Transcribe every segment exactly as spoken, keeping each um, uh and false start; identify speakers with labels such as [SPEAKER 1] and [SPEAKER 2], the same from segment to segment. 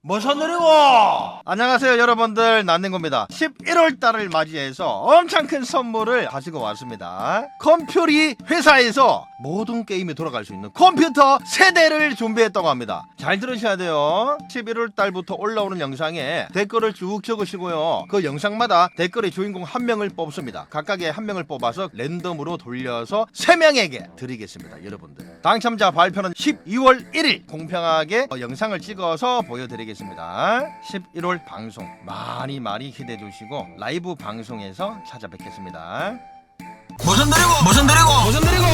[SPEAKER 1] 뭐서 느리고. 안녕하세요 여러분들, 난닝고입니다. 십일월 달을 맞이해서 엄청 큰 선물을 가지고 왔습니다. 컴퓨리 회사에서 모든 게임이 돌아갈 수 있는 컴퓨터 세대를 준비했다고 합니다. 잘 들으셔야 돼요. 십일월 달부터 올라오는 영상에 댓글을 쭉 적으시고요, 그 영상마다 댓글의 주인공 한 명을 뽑습니다. 각각의 한 명을 뽑아서 랜덤으로 돌려서 세 명에게 드리겠습니다. 여러분들, 당첨자 발표는 십이월 일일 공평하게 영상을 찍어서 보여드리겠습니다. 십일월 방송 많이 많이 기대해 주시고 라이브 방송에서 찾아뵙겠습니다.
[SPEAKER 2] 모션 드리고 모션 드리고 모션 드리고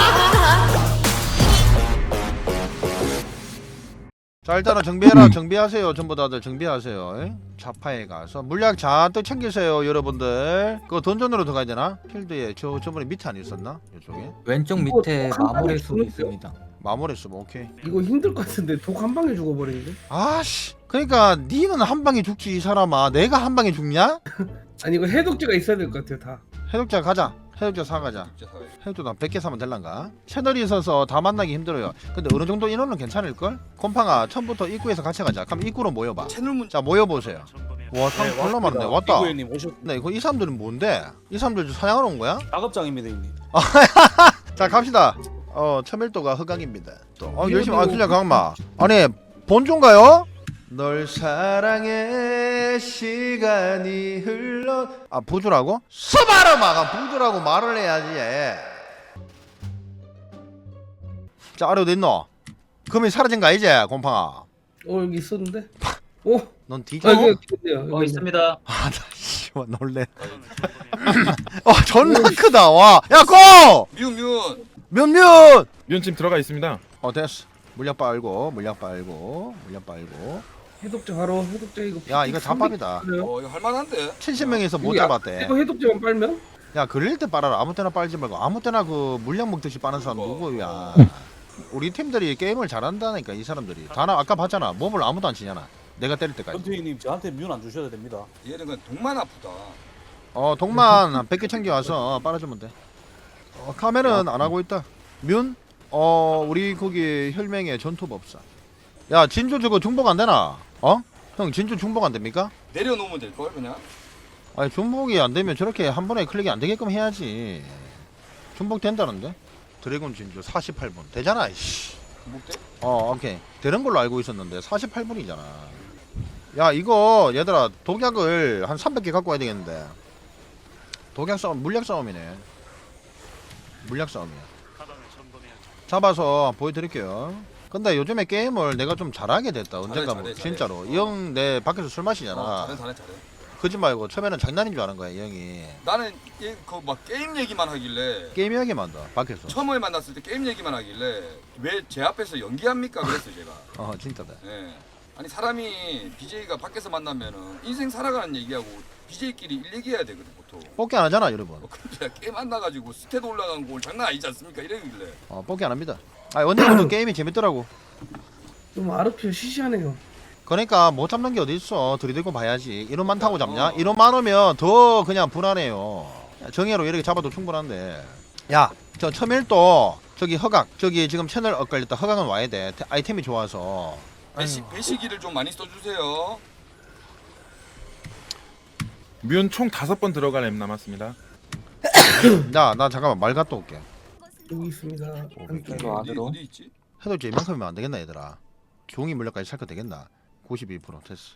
[SPEAKER 1] 자, 일단은 정비해라. 정비하세요. 전부 다들 정비하세요. 자파에 가서 물약 잔뜩 챙기세요 여러분들. 그거 던전으로 들어가야 되나? 필드에 저 저번에 밑에 안 있었나? 이쪽에
[SPEAKER 3] 왼쪽
[SPEAKER 4] 이거
[SPEAKER 3] 밑에
[SPEAKER 4] 한 방에
[SPEAKER 3] 마무리 수
[SPEAKER 4] 죽는데요?
[SPEAKER 3] 있습니다.
[SPEAKER 1] 마무리 쓰면 오케이.
[SPEAKER 4] 이거 힘들 것 같은데 독 한 방에 죽어버리는데?
[SPEAKER 1] 아씨, 그러니까 니는 한 방에 죽지 이 사람아. 내가 한 방에 죽냐?
[SPEAKER 4] 아니 이거 해독제가 있어야 될 것 같아요 다.
[SPEAKER 1] 해독자 가자. 해독자 사가자. 해독자 백 개 사면 될란가? 채널이 있어서 다 만나기 힘들어요. 근데 어느 정도 인원은 괜찮을걸? 콤팡아, 처음부터 입구에서 같이 가자. 그럼 입구로 모여봐.
[SPEAKER 2] 채널 문
[SPEAKER 1] 자, 모여보세요. 와, 사람 졸라 많네. 왔다.
[SPEAKER 5] 이구현님 오셨.
[SPEAKER 1] 네, 이거 이 사람들은 뭔데? 이 사람들 사냥하러 온 거야?
[SPEAKER 5] 작업장입니다, 형님.
[SPEAKER 1] 자, 갑시다. 어, 첨일도가 허강입니다. 또, 어, 열심히, 아, 진짜 강마. 아니, 본종가요? 널 사랑해 시간이 흘러. 아, 부주라고? 스바르 마가 부주라고 말을 해야지. 자, 아래 어디 있노? 금이 사라진 거 아니지, 곰팡아?
[SPEAKER 4] 어 여기 있었는데? 오!
[SPEAKER 1] 넌 뒤져?
[SPEAKER 4] 아 여기 있네요.
[SPEAKER 6] 어 있습니다.
[SPEAKER 1] 아, 나 씨발 놀래. 어, 존나 크다. 와, 야, 고!
[SPEAKER 2] 뮤뮤
[SPEAKER 1] 몇몇!
[SPEAKER 7] 면찜 들어가 있습니다.
[SPEAKER 1] 어, 됐어. 물약 빨고, 물약 빨고, 물약 빨고.
[SPEAKER 4] 해독제 바로 해독제 이거.
[SPEAKER 1] 야, 이거 잡밥이다.
[SPEAKER 4] 그래요?
[SPEAKER 2] 어 이거 할만한데?
[SPEAKER 1] 칠십 명에서 못
[SPEAKER 4] 여기 아-
[SPEAKER 1] 잡았대.
[SPEAKER 4] 이거 해독제만 빨면?
[SPEAKER 1] 야, 그릴 때 빨아라. 아무 때나 빨지 말고 아무 때나 그 물약 먹듯이 빠는 사람 누구야? 우리 팀들이 게임을 잘한다니까. 이 사람들이 다 나 아까 봤잖아. 몸을 아무도 안 치잖아. 내가 때릴 때까지.
[SPEAKER 5] 전투희님 저한테 뮤는 안 주셔도 됩니다.
[SPEAKER 2] 얘는 그냥 독만 아프다.
[SPEAKER 1] 어, 독만 한 백 개 챙겨와서 빨아주면 돼. 어, 카메는 안 하고 있다. 뮨? 어, 우리 거기 혈맹의 전투법사. 야, 진주 저거 중복 안 되나? 어? 형, 진주 중복 안 됩니까?
[SPEAKER 2] 내려놓으면 될걸 그냥.
[SPEAKER 1] 아니, 중복이 안 되면 저렇게 한 번에 클릭이 안 되게끔 해야지. 중복 된다는데? 드래곤 진주 사십팔 분 되잖아. 이씨.
[SPEAKER 2] 목대?
[SPEAKER 1] 어, 오케이. 되는 걸로 알고 있었는데 사십팔 분이잖아. 야, 이거 얘들아 독약을 한 삼백 개 갖고 와야 되겠는데. 독약 싸움, 물약 싸움이네. 물약 싸움이야. 잡아서 보여드릴게요. 근데 요즘에 게임을 내가 좀 잘하게 됐다. 언젠가
[SPEAKER 2] 잘해,
[SPEAKER 1] 뭐
[SPEAKER 2] 잘해,
[SPEAKER 1] 진짜로.
[SPEAKER 2] 잘해.
[SPEAKER 1] 이 형 내 밖에서 술 마시잖아.
[SPEAKER 2] 어, 잘해 잘해 잘해.
[SPEAKER 1] 그지 말고 처음에는 장난인 줄 아는 거야, 이 형이.
[SPEAKER 2] 나는 그막 게임 얘기만 하길래
[SPEAKER 1] 게임 이야기만 더 밖에서.
[SPEAKER 2] 처음에 만났을 때 게임 얘기만 하길래 왜 제 앞에서 연기합니까 그랬어 제가.
[SPEAKER 1] 어, 진짜다.
[SPEAKER 2] 예. 아니 사람이 비제이가 밖에서 만나면은 인생 살아가는 얘기하고 비제이끼리 일 얘기해야 되거든 보통.
[SPEAKER 1] 뽑기 안 하잖아, 여러분.
[SPEAKER 2] 어, 근데 게임 만나가지고 스탯 올라간 거 장난 아니지 않습니까 이러길래.
[SPEAKER 1] 어, 뽑기 안 합니다. 아, 언제부터 게임이 재밌더라고.
[SPEAKER 4] 좀 아르피오 시시하네요.
[SPEAKER 1] 그러니까 못 잡는 게 어디 있어. 들이대고 봐야지. 이론 많다고 잡냐?
[SPEAKER 2] 어.
[SPEAKER 1] 이론 많으면 더 그냥 불안해요. 정예로 이렇게 잡아도 충분한데. 야, 저 첨일도 저기 허각, 저기 지금 채널 엇갈렸다. 허각은 와야 돼. 태- 아이템이 좋아서.
[SPEAKER 2] 배시, 배시기를 좀 많이 써주세요.
[SPEAKER 7] 면 총 다섯 번 들어갈 앱 남았습니다.
[SPEAKER 1] 나, 나 잠깐만 말 갔다 올게.
[SPEAKER 4] 여기 있습니다.
[SPEAKER 2] 어디,
[SPEAKER 3] 안으로.
[SPEAKER 2] 어디 있지?
[SPEAKER 1] 해도 이제 이만큼이면 안 되겠나 얘들아. 종이 물약까지 살 거 되겠나? 구십이 퍼센트 됐어.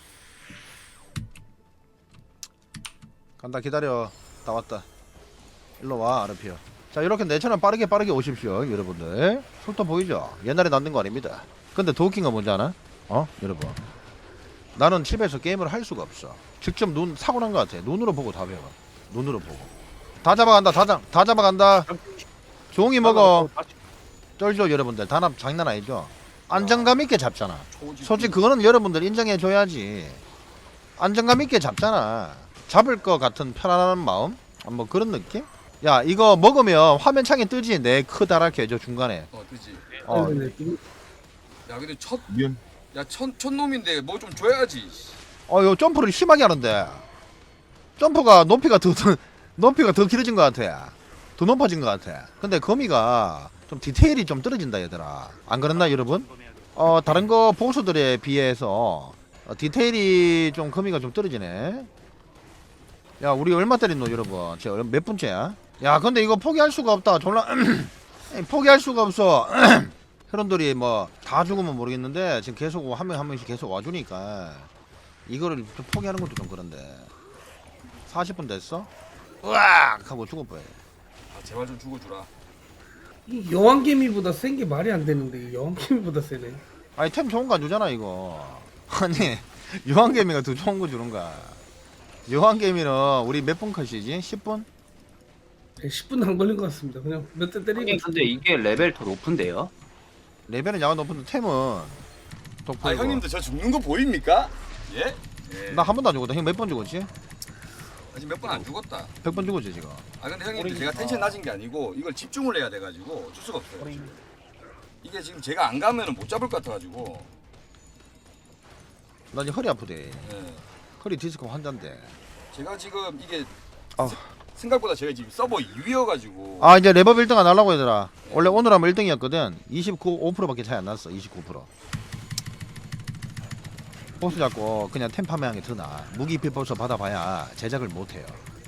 [SPEAKER 1] 간다, 기다려. 다 왔다. 일로 와, 아르피오. 자, 이렇게 내처럼 빠르게 빠르게 오십시오 여러분들. 속도 보이죠? 옛날에 남는 거 아닙니다. 근데 더 웃긴 건 뭔지 아나? 어? 여러분, 나는 집에서 게임을 할 수가 없어. 직접 눈 사고 난 거 같아. 눈으로 보고 다 배워. 눈으로 보고. 다 잡아간다. 다, 잡, 다 잡아간다. 종이 먹어. 쩔죠 여러분들. 단합 장난 아니죠? 안정감 있게 잡잖아.
[SPEAKER 2] 초지.
[SPEAKER 1] 솔직히 그거는 여러분들 인정해줘야지. 안정감 있게 잡잖아. 잡을 것 같은 편안한 마음? 아, 뭐 그런 느낌? 야, 이거 먹으면 화면 창에 뜨지. 내 크다랗게 저 중간에.
[SPEAKER 2] 어 그지.
[SPEAKER 1] 어,
[SPEAKER 4] 네, 네, 네.
[SPEAKER 2] 야 근데 첫,
[SPEAKER 7] 면
[SPEAKER 2] 야첫 첫 놈인데 뭐 좀 줘야지.
[SPEAKER 1] 어, 요 점프를 심하게 하는데. 점프가 높이가 더, 더 높이가 더 길어진 것 같아. 더 높아진 것 같아. 근데 거미가 좀 디테일이 좀 떨어진다 얘들아. 안 그렇나 여러분? 어 다른 거 보수들에 비해서 어, 디테일이 좀 거미가 좀 떨어지네. 야 우리 얼마 때렸노 여러분? 제가 몇 분째야? 야 근데 이거 포기할 수가 없다. 졸라 포기할 수가 없어. 회원들이 뭐 다 죽으면 모르겠는데 지금 계속 한 명 한 명씩 계속 와주니까 이거를 좀 포기하는 것도 좀 그런데. 사십 분 됐어? 으악 하고 죽을 뻔해.
[SPEAKER 2] 아, 제발 좀 죽어주라.
[SPEAKER 4] 이 여왕개미보다 센 게 말이 안 되는데 여왕개미보다 세네.
[SPEAKER 1] 아니 템 좋은 거 안 주잖아 이거. 아니 여왕개미가 더 좋은 거 주는가? 여왕개미는 우리 몇 분 컷이지? 십 분?
[SPEAKER 4] 십 분도 안 걸린 것 같습니다. 그냥 몇 대 때리고.
[SPEAKER 3] 형님 근데 이게 레벨 더 높은데요?
[SPEAKER 1] 레벨은 야간 높은데 템은 독보이고.
[SPEAKER 2] 아 형님도 저 죽는 거 보입니까? 예? 예.
[SPEAKER 1] 나 한 번도 안 죽었다. 형 몇 번 죽었지?
[SPEAKER 2] 아직 몇 번 안 죽었다.
[SPEAKER 1] 백 번 죽었지 지금.
[SPEAKER 2] 아 근데 형님도 제가 텐션 낮은 게 아니고 이걸 집중을 해야 돼가지고 어쩔 수가 없어요. 지금. 이게 지금 제가 안 가면은 못 잡을 것 같아가지고.
[SPEAKER 1] 나 지금 허리 아프대.
[SPEAKER 2] 예.
[SPEAKER 1] 허리 디스크 환자인데.
[SPEAKER 2] 제가 지금 이게
[SPEAKER 1] 아.
[SPEAKER 2] 세- 생각보다 제가 지금 서버 이 위여가지고.
[SPEAKER 1] 아 이제 레벨 일 등 안 하려고 얘들아. 원래 오늘 하면 일 등이었거든. 이십구, 오 퍼센트밖에 차이 안 났어. 이십구 퍼센트. 보스 잡고 그냥 템 파밍하는 게 더 나아. 무기 비법서 받아봐야 제작을 못해요.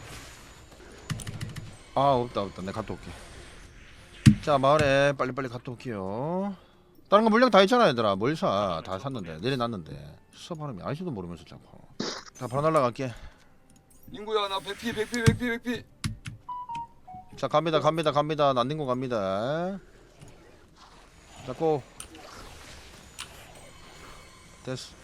[SPEAKER 1] 아 없다 없다. 내가 갔다 올게. 자 마을에 빨리빨리 갔다 올게요. 다른 거 물량 다 있잖아 얘들아. 뭘 사? 다 샀는데 내려놨는데 서바람이 아저씨도 모르면서 자꾸. 자 바로 날라갈게.
[SPEAKER 2] 인구야 나 백피 백피 백피 백피.
[SPEAKER 1] 자 갑니다 갑니다 갑니다. 난닝고 갑니다. 자고 됐어.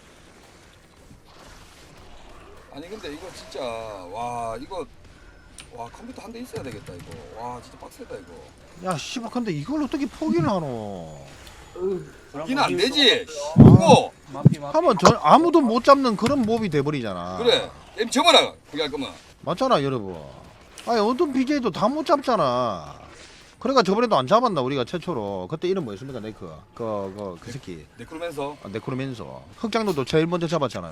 [SPEAKER 2] 아니 근데 이거 진짜 와 이거 와 컴퓨터 한 대 있어야 되겠다 이거. 와 진짜 빡세다 이거.
[SPEAKER 1] 야 씨발 근데 이걸 어떻게 포기를 하노?
[SPEAKER 2] 이는 안 되지. 이거
[SPEAKER 5] 마피 마피.
[SPEAKER 1] 하면 저 아무도 못 잡는 그런 몹이 돼버리잖아.
[SPEAKER 2] 그래. 엠 접어라. 그게 할 거면.
[SPEAKER 1] 맞잖아 여러분. 아니 어떤 비제이도 다 못 잡잖아. 그러니까 저번에도 안 잡았나 우리가 최초로. 그때 이름 뭐였습니까 네크. 그그 그 새끼.
[SPEAKER 2] 네크로맨서.
[SPEAKER 1] 아, 네크로맨서. 흑장로도 제일 먼저 잡았잖아요.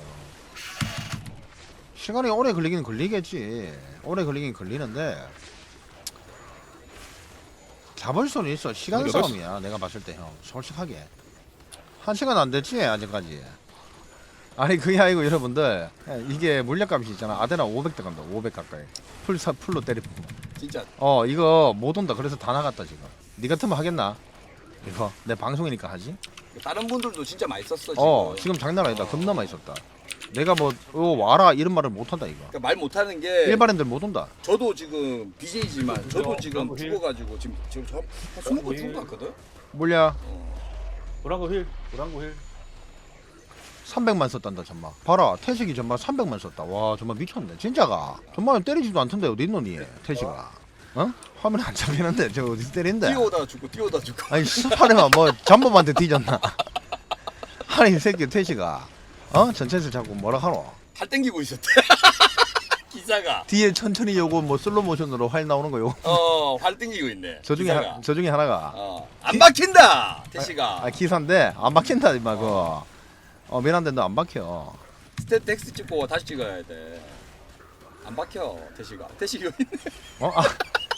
[SPEAKER 1] 시간이 오래 걸리긴 걸리겠지. 오래 걸리긴 걸리는데 잡을 수는 있어. 시간
[SPEAKER 7] 여덟 시-
[SPEAKER 1] 싸움이야. 내가 봤을 때 형. 솔직하게 한 시간 안 됐지 아직까지. 아니 그게 아니고 여러분들 이게 물약값이 있잖아. 아데나 오백 들어간다. 오백 가까이. 풀사 풀로 때리면.
[SPEAKER 2] 진짜
[SPEAKER 1] 어 이거 못 온다. 그래서 다 나갔다 지금. 니 같으면 하겠나? 이거 내 방송이니까 하지.
[SPEAKER 2] 다른 분들도 진짜 많이 썼어 지금.
[SPEAKER 1] 어 지금 장난 아니다.
[SPEAKER 2] 어.
[SPEAKER 1] 겁나 많이 썼다. 내가 뭐 어, 와라 이런 말을 못 한다 이거.
[SPEAKER 2] 그러니까 말 못하는 게
[SPEAKER 1] 일반인들 못 온다.
[SPEAKER 2] 저도 지금 비제이지만 저도 지금
[SPEAKER 5] 브라보 힐.
[SPEAKER 2] 죽어가지고 지금 지금 저한 스무 번
[SPEAKER 5] 힐.
[SPEAKER 2] 죽은 것 같거든.
[SPEAKER 1] 물약
[SPEAKER 5] 브랑고 힐. 브랑고 힐.
[SPEAKER 1] 삼백만 썼단다 정말. 봐라 태식이 정말 삼백만 썼다. 와 정말 미쳤네. 진짜가. 정말 때리지도 않던데 어디 있노니 태식아. 어? 화면 안 잡히는데 저 어디서 때린대.
[SPEAKER 2] 뛰어오다 죽고 뛰어오다 죽고.
[SPEAKER 1] 아니 스파르만 뭐 잠범한테 뒤졌나. 아니 이 새끼 태식아. 어? 전체에서 자꾸 뭐라 하노.
[SPEAKER 2] 팔 땡기고 있었대. 기사가.
[SPEAKER 1] 뒤에 천천히 요거 뭐 슬로 모션으로 활 나오는 거 요거.
[SPEAKER 2] 어, 활 땡기고 있네.
[SPEAKER 1] 저 중에
[SPEAKER 2] 기사가.
[SPEAKER 1] 하, 저 중에 하나가
[SPEAKER 2] 어, 안 박힌다. 태시가.
[SPEAKER 1] 아 기사인데 안 박힌다 임마 그거. 어 미안한데 너 안 박혀.
[SPEAKER 2] 스탯 텍스 찍고 다시 찍어야 돼. 안 박혀. 태시가. 태시 여기 있네.
[SPEAKER 1] 어? 아,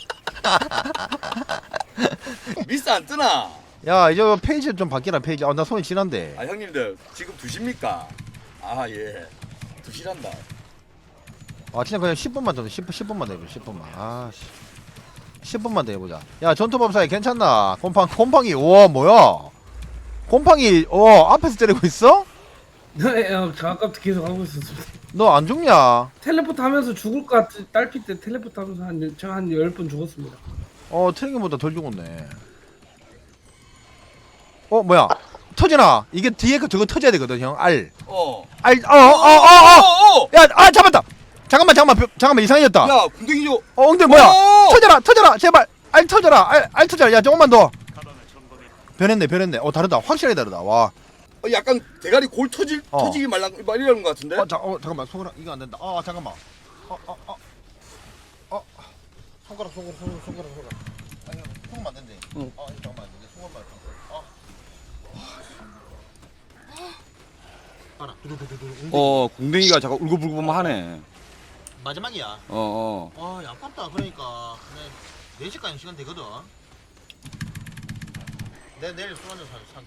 [SPEAKER 2] 미스 안 뜨나?
[SPEAKER 1] 야 이제 페이지 좀 바뀌라 페이지. 아 나 손이 진한데.
[SPEAKER 2] 아 형님들 지금 두 시입니까? 아 예. 두 시란다.
[SPEAKER 1] 아 진짜 그냥 십 분만 더 십 분 십 분만 더 해보자. 십 분만. 아 씨. 십 분만 더 해보자. 야 전투법사에 괜찮나? 곰팡 곰팡이. 우와 뭐야? 곰팡이 어 앞에서 때리고 있어?
[SPEAKER 4] 네, 어, 저 아까부터 계속 하고 있었습니다.
[SPEAKER 1] 너 안 죽냐?
[SPEAKER 4] 텔레포트 하면서 죽을 것 같은 딸피 때 텔레포트 하면서 한 제가 한 열 번 죽었습니다.
[SPEAKER 1] 어 트랙ing보다 덜 죽었네. 어 뭐야? 터지나? 이게 뒤에 그 저거 터져야 되거든 형. 알.
[SPEAKER 2] 어.
[SPEAKER 1] 알. 어 어 어 어.
[SPEAKER 2] 어, 어.
[SPEAKER 1] 야, 아 잡았다. 잠깐만, 잠깐만, 벼- 잠깐만 이상해졌다.
[SPEAKER 2] 야, 궁뎅이 줘.
[SPEAKER 1] 어, 엉덩이 뭐야?
[SPEAKER 2] 오!
[SPEAKER 1] 터져라, 터져라, 제발. 알 터져라, 알, 알 터져라. 야, 조금만 더. 변했네, 변했네. 어, 다르다. 확실히 다르다. 와.
[SPEAKER 2] 어, 약간 대가리 골 터질
[SPEAKER 1] 어.
[SPEAKER 2] 터지기 말랑 말이라는 것 같은데.
[SPEAKER 1] 어, 자, 어, 잠깐만, 손가락 이거 안 된다. 아, 잠깐만. 어, 어, 어, 어, 손가락, 손가락, 손가락, 손가락, 손가락. 아니, 손만 안 된대.
[SPEAKER 5] 응.
[SPEAKER 1] 아, 이거 잠깐만, 내 손만 안 돼. 아. 봐라, 두두두두두.
[SPEAKER 2] 어, 궁뎅이가 잠깐 울고불고만 하네.
[SPEAKER 1] 마지막이야.
[SPEAKER 2] 어, 어.
[SPEAKER 1] 와, 야, 아깝다. 그러니까 내 네 시까지 시간 되거든. 내 내일 술 한잔 사- 살게.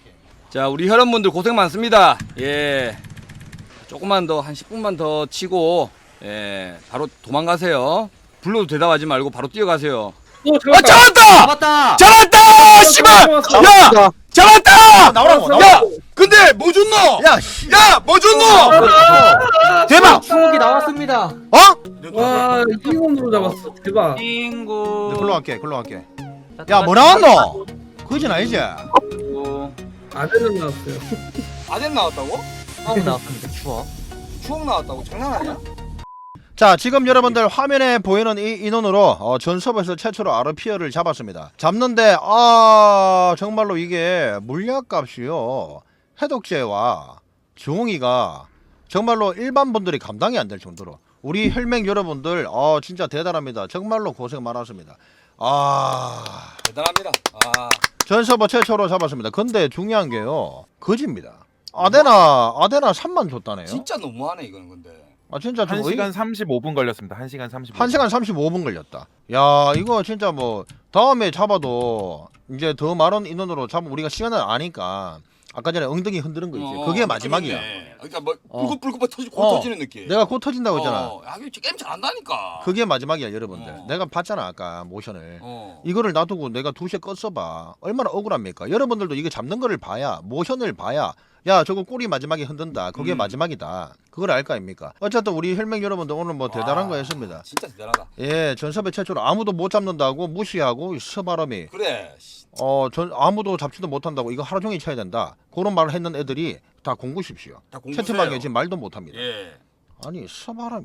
[SPEAKER 2] 자, 우리 혈원분들 고생 많습니다. 예. 조금만 더, 한 십 분만 더 치고, 예. 바로 도망가세요. 불러도 대답하지 말고 바로 뛰어가세요.
[SPEAKER 4] 오
[SPEAKER 2] 아,
[SPEAKER 4] 잡았다.
[SPEAKER 2] 잡았다!
[SPEAKER 3] 잡았다.
[SPEAKER 2] 잡았다! 씨발!
[SPEAKER 4] 잡았어.
[SPEAKER 2] 야! 잡았다!
[SPEAKER 1] 나오라고
[SPEAKER 4] 야!
[SPEAKER 2] 야!
[SPEAKER 1] 나오라고.
[SPEAKER 2] 근데 뭐 줬노?
[SPEAKER 1] 야 씨.
[SPEAKER 2] 야! 뭐 줬노?
[SPEAKER 1] 대박.
[SPEAKER 3] 추억이 나왔습니다.
[SPEAKER 1] 어?
[SPEAKER 4] 와 이기건으로 잡았어. 대박.
[SPEAKER 3] 친구.
[SPEAKER 1] 네, 글로 갈게 글로 갈게. 야 뭐 나왔노? 그거진 아니지?
[SPEAKER 4] 아들은 나왔어요.
[SPEAKER 2] 아덴 나왔다고?
[SPEAKER 3] 추억 나왔습니다. 추억.
[SPEAKER 2] 추억 나왔다고? 장난 아니야?
[SPEAKER 1] 자 지금 여러분들 화면에 보이는 이 인원으로 어, 전 서버에서 최초로 아르피어를 잡았습니다. 잡는데 아 정말로 이게 물약값이요 해독제와 종이가 정말로 일반 분들이 감당이 안 될 정도로 우리 혈맹 여러분들 어 진짜 대단합니다. 정말로 고생 많았습니다. 아
[SPEAKER 2] 대단합니다. 아.
[SPEAKER 1] 전 서버 최초로 잡았습니다. 근데 중요한 게요 거짓입니다. 아데나 아데나 삼만 줬다네요.
[SPEAKER 2] 진짜 너무하네 이거는 근데.
[SPEAKER 1] 아 진짜 좀
[SPEAKER 7] 한
[SPEAKER 1] 어이-
[SPEAKER 7] 시간 삼십오 분 걸렸습니다. 한 시간 삼십오 분.
[SPEAKER 1] 한 시간 삼십오 분 걸렸다. 야 이거 진짜 뭐 다음에 잡아도 이제 더 많은 인원으로 잡으면 우리가 시간을 아니까 아까 전에 엉덩이 흔드는 거 있지.
[SPEAKER 2] 어,
[SPEAKER 1] 그게 마지막이야.
[SPEAKER 2] 그러네. 그러니까 뭐
[SPEAKER 1] 어.
[SPEAKER 2] 불긋불긋 터지 고
[SPEAKER 1] 어.
[SPEAKER 2] 터지는 느낌.
[SPEAKER 1] 내가 곧 터진다고 했잖아.
[SPEAKER 2] 어, 야, 이거 게임 잘한다니까.
[SPEAKER 1] 그게 마지막이야 여러분들.
[SPEAKER 2] 어.
[SPEAKER 1] 내가 봤잖아 아까 모션을.
[SPEAKER 2] 어.
[SPEAKER 1] 이거를 놔두고 내가 두 시에 껐어봐. 얼마나 억울합니까? 여러분들도 이게 잡는 거를 봐야 모션을 봐야 야 저거 꼬리 마지막에 흔든다. 그게
[SPEAKER 2] 음.
[SPEAKER 1] 마지막이다. 그걸 알 거 아닙니까? 어쨌든 우리 혈맹 여러분들 오늘 뭐 대단한
[SPEAKER 2] 와,
[SPEAKER 1] 거 했습니다.
[SPEAKER 2] 진짜 대단하다.
[SPEAKER 1] 예, 전섭의 최초로 아무도 못 잡는다고 무시하고 이 서바람이
[SPEAKER 2] 그래. 씨.
[SPEAKER 1] 어, 전 아무도 잡지도 못한다고 이거 하루 종일 쳐야 된다. 그런 말을 했는 애들이 다 공부십시오.
[SPEAKER 2] 다 공부해요.
[SPEAKER 1] 채팅방에 지금 말도 못합니다.
[SPEAKER 2] 예.
[SPEAKER 1] 아니 서바람이.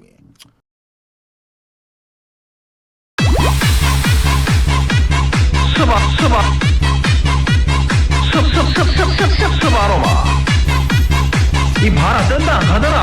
[SPEAKER 1] 서바 서바 섭섭섭섭섭섭 서바로마. 이 봐라 뜬다 안 가더라.